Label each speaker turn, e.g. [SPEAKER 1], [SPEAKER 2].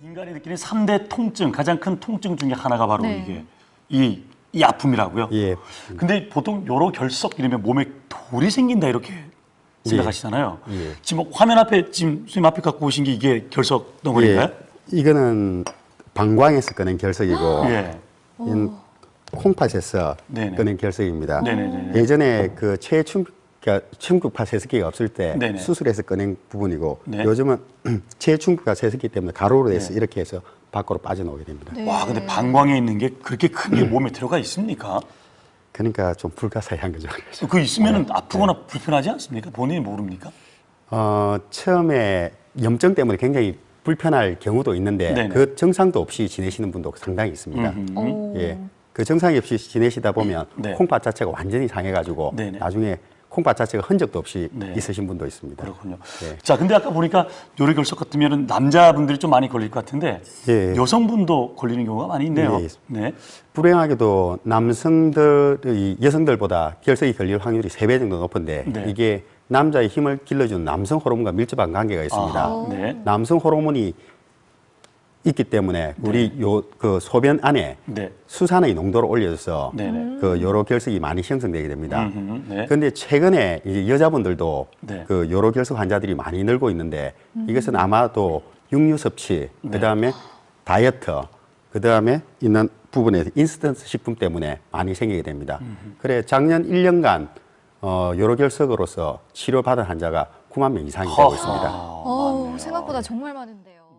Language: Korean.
[SPEAKER 1] 인간이 느끼는 3대 통증, 가장 큰 통증 중에 하나가 바로 이게 이 아픔이라고요.
[SPEAKER 2] 예.
[SPEAKER 1] 근데 보통 요로 결석 이러면 몸에 돌이 생긴다 이렇게 생각하시잖아요.
[SPEAKER 2] 예.
[SPEAKER 1] 지금 화면 앞에 지금 선생님 앞에 갖고 오신 게 이게 결석 덩어리인가요?
[SPEAKER 2] 예. 이거는 방광에서 꺼낸 결석이고
[SPEAKER 1] 예.
[SPEAKER 2] 이건 콩팥에서
[SPEAKER 1] 네네.
[SPEAKER 2] 꺼낸 결석입니다.
[SPEAKER 1] 네네네.
[SPEAKER 2] 예전에 그 체충격파 세습기가 없을 때
[SPEAKER 1] 네네.
[SPEAKER 2] 수술해서 꺼낸 부분이고
[SPEAKER 1] 네.
[SPEAKER 2] 요즘은 체충격파 세습기 때문에 가로로 돼서 이렇게 해서 밖으로 빠져나오게 됩니다.
[SPEAKER 3] 네.
[SPEAKER 1] 와, 근데 방광에 있는 게 그렇게 큰 게 몸에 들어가 있습니까?
[SPEAKER 2] 그러니까 좀 불가사의한 거죠.
[SPEAKER 1] 그 있으면 아프거나 불편하지 않습니까? 본인이 모릅니까?
[SPEAKER 2] 처음에 염증 때문에 굉장히 불편할 경우도 있는데
[SPEAKER 1] 네네.
[SPEAKER 2] 그 증상도 없이 지내시는 분도 상당히 있습니다. 예. 그 증상이 없이 지내시다 보면
[SPEAKER 1] 네.
[SPEAKER 2] 콩팥 자체가 완전히 상해가지고
[SPEAKER 1] 네네.
[SPEAKER 2] 나중에 콩팥 자체가 흔적도 없이
[SPEAKER 1] 네.
[SPEAKER 2] 있으신 분도 있습니다.
[SPEAKER 1] 그렇군요.
[SPEAKER 2] 네.
[SPEAKER 1] 자, 근데 아까 보니까 요로결석 같으면 남자분들이 좀 많이 걸릴 것 같은데
[SPEAKER 2] 예.
[SPEAKER 1] 여성분도 걸리는 경우가 많이 있네요.
[SPEAKER 2] 네.
[SPEAKER 1] 네.
[SPEAKER 2] 불행하게도 남성들이 여성들보다 결석이 걸릴 확률이 3배 정도 높은데
[SPEAKER 1] 네.
[SPEAKER 2] 이게 남자의 힘을 길러주는 남성 호르몬과 밀접한 관계가 있습니다.
[SPEAKER 1] 아하, 네.
[SPEAKER 2] 남성 호르몬이 있기 때문에 우리 그 소변 안에
[SPEAKER 1] 네.
[SPEAKER 2] 수산의 농도를 올려줘서
[SPEAKER 1] 네네.
[SPEAKER 2] 그 요로 결석이 많이 형성되게 됩니다.
[SPEAKER 1] 네.
[SPEAKER 2] 그런데 최근에 이제 여자분들도
[SPEAKER 1] 네.
[SPEAKER 2] 그 요로 결석 환자들이 많이 늘고 있는데 이것은 아마도 육류 섭취,
[SPEAKER 1] 네.
[SPEAKER 2] 그다음에 다이어트, 그다음에 있는 부분에 인스턴트 식품 때문에 많이 생기게 됩니다. 그래 작년 1년간 요로 결석으로서 치료받은 환자가 9만 명 이상이 되고 있습니다.
[SPEAKER 3] 생각보다 정말 많은데.